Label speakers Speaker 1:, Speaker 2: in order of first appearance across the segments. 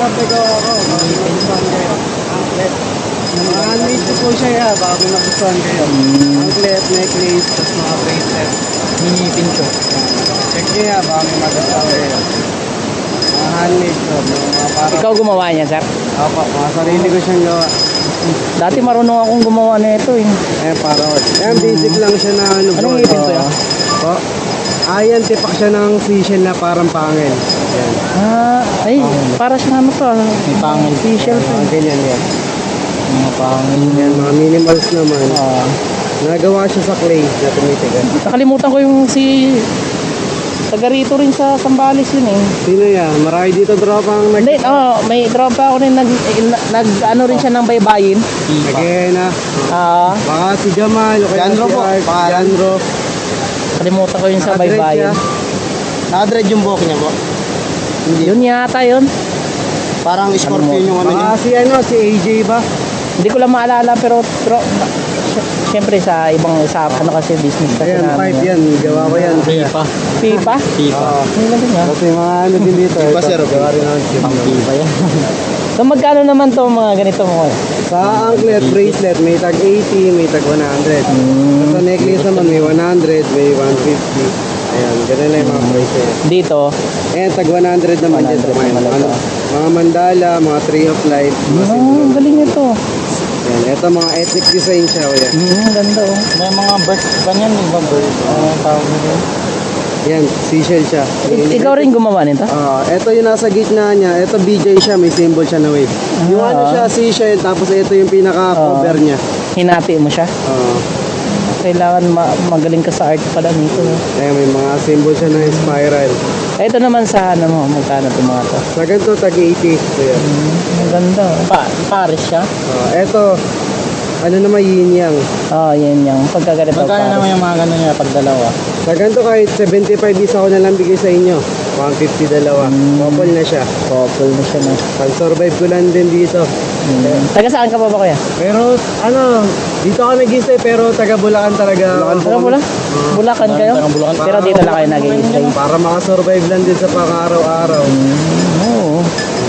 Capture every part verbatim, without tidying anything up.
Speaker 1: pinapagawa ko. Baka magustuhan kayo. Anklet. Mga handmade ko po siya, ya. Baka magustuhan kayo. Anklet, necklace, tapos mga bracelet.
Speaker 2: Mini pincho.
Speaker 1: Check nyo ya, baka may magustuhan kayo. Mga handmade ko. Mga para...
Speaker 2: Ikaw gumawa niya, sir?
Speaker 1: Opo, mga sarili ko siyang gawa.
Speaker 2: Dati marunong akong gumawa nito eh.
Speaker 1: Eh, para yan, basic lang siya na ano.
Speaker 2: Anong
Speaker 1: bro.
Speaker 2: ipin to yan?
Speaker 1: Po. Ah, yan, tipak siya ng seashell na parang pangil. Yan.
Speaker 2: Ah, ay, para siyang ano to. May pangil. Seashell to.
Speaker 1: Mga ganyan yan.
Speaker 2: Mga pangil.
Speaker 1: Yan, mga minimals naman.
Speaker 2: Ah.
Speaker 1: Nagawa siya sa clay na tumitigan.
Speaker 2: Nakalimutan ko yung si... Taga rito rin sa Sambales yun eh.
Speaker 1: Sino yan? Marami dito tropa ang nag...
Speaker 2: Hindi, oh, may tropa ako rin nag, nag ano rin siya ng baybayin.
Speaker 1: Nagaya na.
Speaker 2: Ah,
Speaker 1: Baka si Jamal, o kaya
Speaker 3: Janro
Speaker 1: si
Speaker 3: po,
Speaker 1: Art,
Speaker 3: pangalan.
Speaker 1: Janro.
Speaker 2: kalimutan ko yun sa
Speaker 1: Nakadread
Speaker 2: baybayin.
Speaker 1: siya.
Speaker 3: Nakadread yung buhok niya po.
Speaker 2: Yun yata yun.
Speaker 3: Parang scorpion yung ano niya.
Speaker 1: Baka si ano, si A J ba?
Speaker 2: Hindi ko lang maalala pero tro, siyempre sa ibang sa ano kasi business kasi
Speaker 1: Ayan, pipe yan. Gawa ko yan.
Speaker 2: Pipa? Pipa?
Speaker 1: Oo.
Speaker 2: Ano lang yun ah?
Speaker 1: Kasi mga ano din dito.
Speaker 3: Pipa,
Speaker 1: ito,
Speaker 3: sir.
Speaker 1: Gawa rin naman chip.
Speaker 2: Pipa yan. So magkano naman to mga ganito mo?
Speaker 1: Sa anklet, bracelet, may tag eighty, may tag one hundred.
Speaker 2: Hmm.
Speaker 1: Sa necklace naman, may one hundred, may one fifty. Ayan, ganun lang yung mga bracelet.
Speaker 2: Dito?
Speaker 1: Ayan, tag one hundred naman dyan sa
Speaker 2: one hundred
Speaker 1: mga,
Speaker 2: naman
Speaker 1: ano,
Speaker 2: ito.
Speaker 1: mga mandala, mga tree of life, mga
Speaker 2: Oh,
Speaker 1: symbol.
Speaker 2: ang galing nito.
Speaker 1: Ayan, ito mga ethnic design siya, kuya.
Speaker 2: Hmm, ganda oh. May mga bird ba niyan? Iba bird? Ano tawag nito?
Speaker 1: Yan, seashell siya.
Speaker 2: I- ikaw rin gumawa nito?
Speaker 1: Ah, ito yung nasa gitna niya. Ito B J siya, may symbol siya na wave. Yung
Speaker 2: Ah.
Speaker 1: ano siya, seashell, tapos ito yung pinaka-cover
Speaker 2: Ah.
Speaker 1: niya.
Speaker 2: Hinati mo siya?
Speaker 1: Ah,
Speaker 2: Kailangan ma- magaling ka sa art pala nito.
Speaker 1: ayan, may mga symbol siya na spiral.
Speaker 2: Ito naman sa ano mo, magkano ito mga to?
Speaker 1: Sa ganito, tag eighty. Kuya.
Speaker 2: Hmm, ang ganda oh. Pa Paris siya?
Speaker 1: Ah, ito, ano naman yin yang.
Speaker 2: Oh, yan yung pagkaganito Paris.
Speaker 3: yung mga gano'n niya pag dalawa?
Speaker 1: Sa ganito kahit seventy-five isa ko na lang bigay sa inyo. one fifty dalawa.
Speaker 2: Mm.
Speaker 1: Couple na siya.
Speaker 2: Couple na siya na.
Speaker 1: Pag-survive ko lang din dito.
Speaker 2: Hmm. Taga saan ka pa ba kuya?
Speaker 1: Pero ano, dito ako nag-stay pero taga Bulacan talaga. Bulacan
Speaker 2: Taga Bulacan? Bulacan kayo?
Speaker 3: Taga Bulacan.
Speaker 2: Pero dito lang kayo nag-i-stay.
Speaker 1: Para makasurvive lang din sa pang-araw-araw.
Speaker 2: Hmm, oo.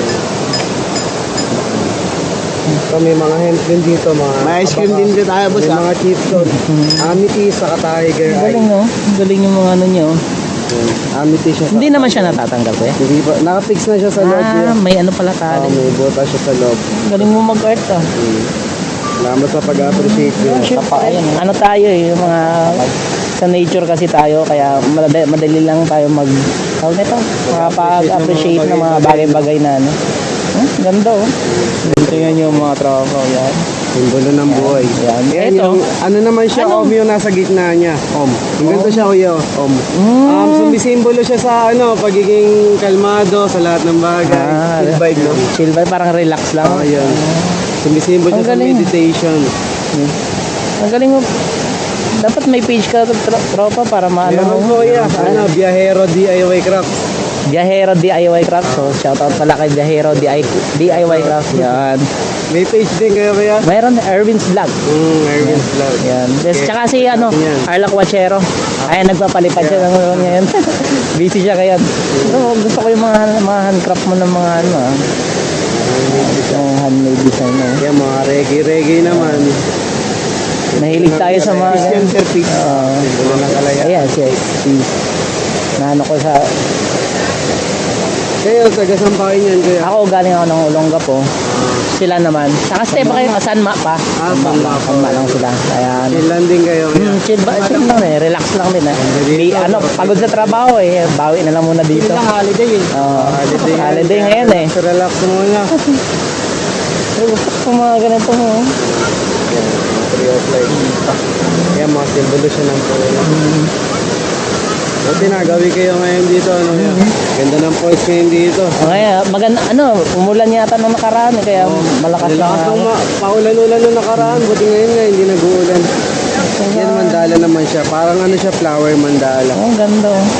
Speaker 1: So may mga hemp din dito, mga
Speaker 3: May ice cream din din tayo, boss.
Speaker 1: may
Speaker 3: ah.
Speaker 1: mga chips doon. Amethyst, saka tiger
Speaker 2: Ang
Speaker 1: eye.
Speaker 2: galing no? Ang galing yung mga ano nyo.
Speaker 1: Amethyst siya.
Speaker 2: Hindi naman siya natatanggal kuya?
Speaker 1: Hindi pa, nakapix na siya sa loob.
Speaker 2: Ah,
Speaker 1: Ah,
Speaker 2: may ano pala tali.
Speaker 1: may buta siya sa loob.
Speaker 2: Ang galing mo mag-art ah.
Speaker 1: Hmm. Salamat sa pag-appreciate niyo.
Speaker 2: Ayan, ano tayo eh, yung mga sa nature kasi tayo kaya madali, madali lang tayo mag tawag nito, makapag-appreciate ng mga bagay-bagay na ano. Huh? Ganda oh. Tingnan yung mga tropa yan.
Speaker 1: Simbolo ng buhay.
Speaker 2: Yan.
Speaker 1: Yan
Speaker 2: Ito.
Speaker 1: yung, ano naman siya,
Speaker 2: Ano?
Speaker 1: om yung nasa gitna niya. Om. Yung ganito siya, kuya, oh. om.
Speaker 2: Mm.
Speaker 1: Um, sumisimbolo siya sa ano, pagiging kalmado sa lahat ng bagay.
Speaker 2: Ah,
Speaker 1: Good vibe, no?
Speaker 2: chill vibe, parang relax lang.
Speaker 1: Oo, yun. Sumisimbolo
Speaker 2: Ang
Speaker 1: siya sa
Speaker 2: galing.
Speaker 1: meditation.
Speaker 2: Ang galing mo. Dapat may page ka tro- tropa para maano
Speaker 1: Meron
Speaker 2: mo.
Speaker 1: po, kuya. Ano, Biyahero D I Y Craft.
Speaker 2: Biyahero D I Y Craft. So shoutout pala kay Biyahero D I Y Craft. Yan.
Speaker 1: May page din kayo, kuya?
Speaker 2: Mayroon Erwin's Vlog.
Speaker 1: Hmm, Erwin's Vlog.
Speaker 2: Yan. Yes,
Speaker 1: Okay.
Speaker 2: tsaka si ano,
Speaker 1: Yan.
Speaker 2: Arla Quachero. Ayan, nagpapalipad siya ng mga yan. Busy siya kaya. Gusto, gusto ko yung mga, mga handcraft mo ng mga ano ah. Yung handmade design mo.
Speaker 1: Yan, mga reggae-reggae naman.
Speaker 2: Nahilig tayo sa mga
Speaker 1: Christian Sir Peace.
Speaker 2: Oo.
Speaker 1: Simbolo ng kalaya.
Speaker 2: Ayan, si, si naano ko sa,
Speaker 1: Kayo, taga Sampakin yan, kuya.
Speaker 2: ako galing ako ng Olonga po. Sila naman. Nakastay pa kayo, Sanma pa.
Speaker 1: Ah, Sanma pa.
Speaker 2: Sanma lang sila. Ayan.
Speaker 1: Chill lang din kayo, kuya.
Speaker 2: Hmm, chill ba? Chill lang eh. Relax lang din eh. Di, ano, pagod sa trabaho eh. Bawi na lang muna dito.
Speaker 3: holiday eh.
Speaker 2: Oo.
Speaker 1: Holiday,
Speaker 2: Holiday ngayon eh.
Speaker 1: So, relax muna.
Speaker 2: Pero gusto ko mga ganito mo.
Speaker 1: Yan, mga tree of life. Yan, mga simbolo siya ng puno. Buti na, gawi kayo ngayon dito. Ano, yan. Ganda ng poise ngayon dito.
Speaker 2: Okay, maganda, ano, umulan yata nung nakaraan eh. Kaya malakas lang.
Speaker 1: Nilakas ng
Speaker 2: ako.
Speaker 1: ma- paulan-ulan nung nakaraan. Buti ngayon nga, hindi nag-uulan. Yan, mandala naman siya. Parang ano siya, flower mandala.
Speaker 2: Oh, ang ganda oh.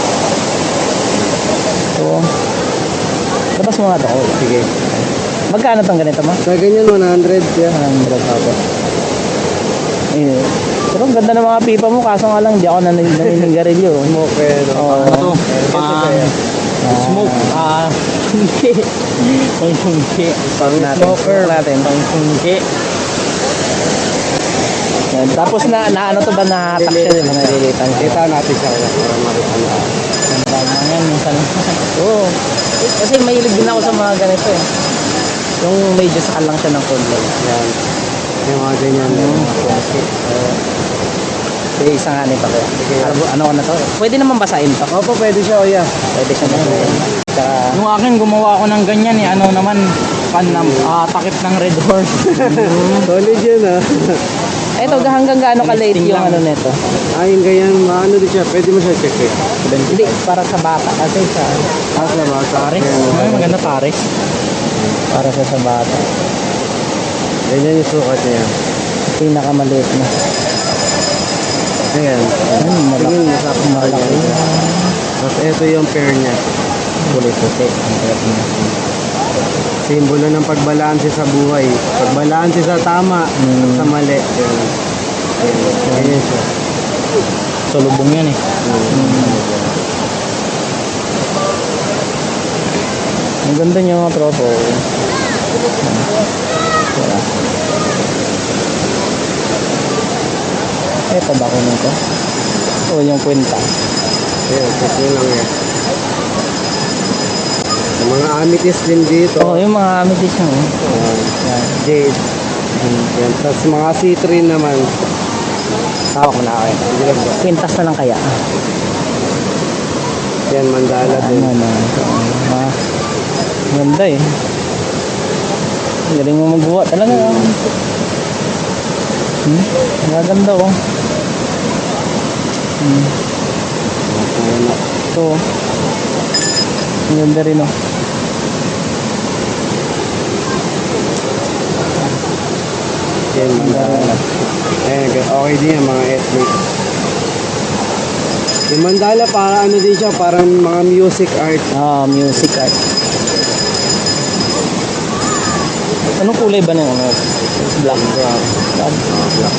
Speaker 2: So, labas mo nga ito. Oh.
Speaker 1: Sige.
Speaker 2: Magkano tong ganito mo?
Speaker 1: Sa ganyan, one hundred. Yeah.
Speaker 2: one hundred ako. Eh, pero ang ganda ng mga pipa mo, kaso nga lang, di ako nanin- naninigarilyo.
Speaker 1: Smoke, eh, no?
Speaker 2: Oo.
Speaker 3: Ano to?
Speaker 1: Ito
Speaker 3: Pang,
Speaker 1: kaya.
Speaker 3: Smoke.
Speaker 2: Ah, sungki. Pang sungki.
Speaker 3: Pang
Speaker 2: natin.
Speaker 3: smoker.
Speaker 2: natin. Pang sungki. Yan. Tapos na, na ano to ba nahatak siya, di ba? Nalilitan siya.
Speaker 3: Kita natin siya kaya para makita na.
Speaker 2: Ganda na yan, minsan. Oo. Kasi mahilig din ako sa mga ganito eh. Yung medyo sakal lang siya ng konti.
Speaker 3: Yan. Yung mga ganyan.
Speaker 2: Mm. Sige, isa nga nito kaya. Ano, ano ko na to? Pwede naman basahin to.
Speaker 3: Opo, pwede siya, kuya.
Speaker 2: Pwede siya basahin. Tsaka,
Speaker 4: Yung akin, gumawa ako ng ganyan eh. Ano naman, pan na, ah, takip ng Red Horse.
Speaker 3: Solid yun, ah.
Speaker 2: eto, hanggang gaano ka-late
Speaker 4: Listing
Speaker 2: yung
Speaker 4: lang.
Speaker 2: ano nito?
Speaker 3: Ay, yung ganyan, ano din siya. Pwede mo siya check, eh.
Speaker 2: Hindi, para sa bata. Kasi sa,
Speaker 3: Tapos na ba?
Speaker 4: Pares. Ay, maganda pares.
Speaker 2: para sa sa bata.
Speaker 3: Ganyan yung sukat niya.
Speaker 2: Pinakamaliit na.
Speaker 3: Ayan.
Speaker 2: Ayun, malaki.
Speaker 3: Tingin, masarap na
Speaker 2: Malaki.
Speaker 3: ganyan. Tapos ito yung pair niya.
Speaker 2: Puti-puti. Ang sarap niya.
Speaker 3: Simbolo ng pagbalanse sa buhay. Pagbalanse sa tama,
Speaker 2: Mm.
Speaker 3: sa mali. Ayan. Ayan. Ganyan siya.
Speaker 4: Salubong yan eh.
Speaker 2: Ang ganda niya mga tropo. Wala. Eto ba kunin ko? O yung kwenta.
Speaker 3: Ayan, check nyo lang yan. Yung mga amethyst din dito.
Speaker 2: Oo, yung mga amethyst mo.
Speaker 3: Ayan.
Speaker 2: Yan.
Speaker 3: Jade. Yan. Tapos mga citrine naman.
Speaker 2: Tawag mo na ako.
Speaker 3: Hindi lang ba?
Speaker 2: Kwintas na lang kaya.
Speaker 3: Yan, mandala
Speaker 2: Ano
Speaker 3: din.
Speaker 2: na. Ah, ganda eh. Ang galing mo magawa. Talaga. Hmm? Ang ganda oh. Hmm.
Speaker 3: Ayan.
Speaker 2: Ito oh. Ang ganda rin oh.
Speaker 3: Yan, mandala. Ayan, okay din yan, mga ethnic. Yung mandala, para ano din siya, parang mga music art.
Speaker 2: Ah, music art. Anong kulay ba ng ano? Black.
Speaker 3: Black.
Speaker 2: Black.
Speaker 3: Black.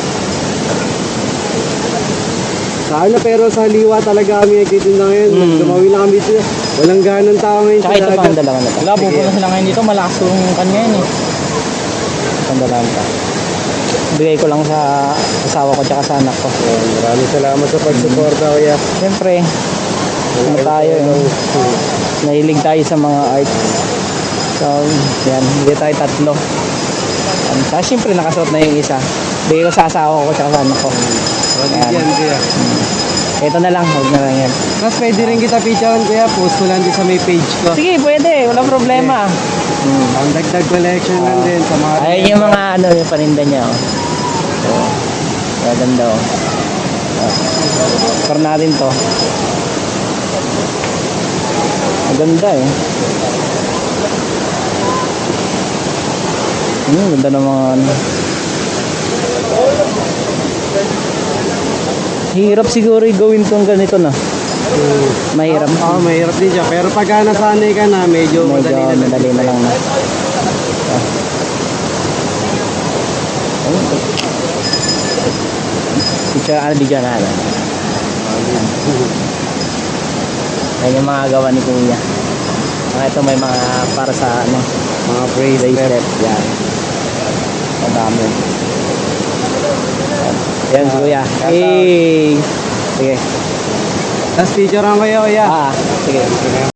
Speaker 3: Sa ano, pero sa liwa talaga kami nagtitinda ngayon.
Speaker 2: Mm.
Speaker 3: Dumawi lang kami dito. Walang ganang tao ngayon
Speaker 2: Tsaka
Speaker 3: sa
Speaker 2: ito pa ang
Speaker 3: dagat.
Speaker 2: dalawa na to.
Speaker 4: Wala, pupunta sila ngayon dito. Malakas yung kanya yan eh.
Speaker 2: Ang dalawa pa. Bigay ko lang sa asawa ko tsaka sa anak ko.
Speaker 3: Ayan, maraming salamat sa pagsuporta, kuya.
Speaker 2: Siyempre, ano tayo eh. Nahilig tayo sa mga art. So, yan. Bigay tayo tatlo. Um, Tapos siyempre nakasuot na yung isa. Bigay ko sa asawa ko tsaka sa anak ko.
Speaker 3: Solid
Speaker 2: Ayan.
Speaker 3: yan, kuya.
Speaker 2: Ito na lang. Huwag na lang yan.
Speaker 3: Tapos pwede rin kita picturean, kuya. Post ko lang din sa may page ko.
Speaker 2: Sige, pwede. Walang problema. Hmm.
Speaker 3: Ang dagdag collection lang din sa mga...
Speaker 2: Ayun yung mga ano yung paninda niya oh. So, maganda oh. Oh. Para natin to. Maganda eh. Hmm, ganda ng mga ano. Hirap siguro i-gawin tong ganito na.
Speaker 3: Hmm.
Speaker 2: Mahirap.
Speaker 3: Oo, oh, mahirap din siya. Pero pagka nasanay ka na, medyo,
Speaker 2: Medyo
Speaker 3: madali na lang.
Speaker 2: madali na lang na. Ah. Ayun. Picture, ano, video na ano. Ayan yung mga gawa ni Kuya. Ah, ito may mga para sa ano,
Speaker 3: Mga bracelet.
Speaker 2: bracelet. Yan. Ang dami. Yan si Kuya. Hey! Sige.
Speaker 3: Tapos picture ang kayo, kuya.
Speaker 2: Ah, sige.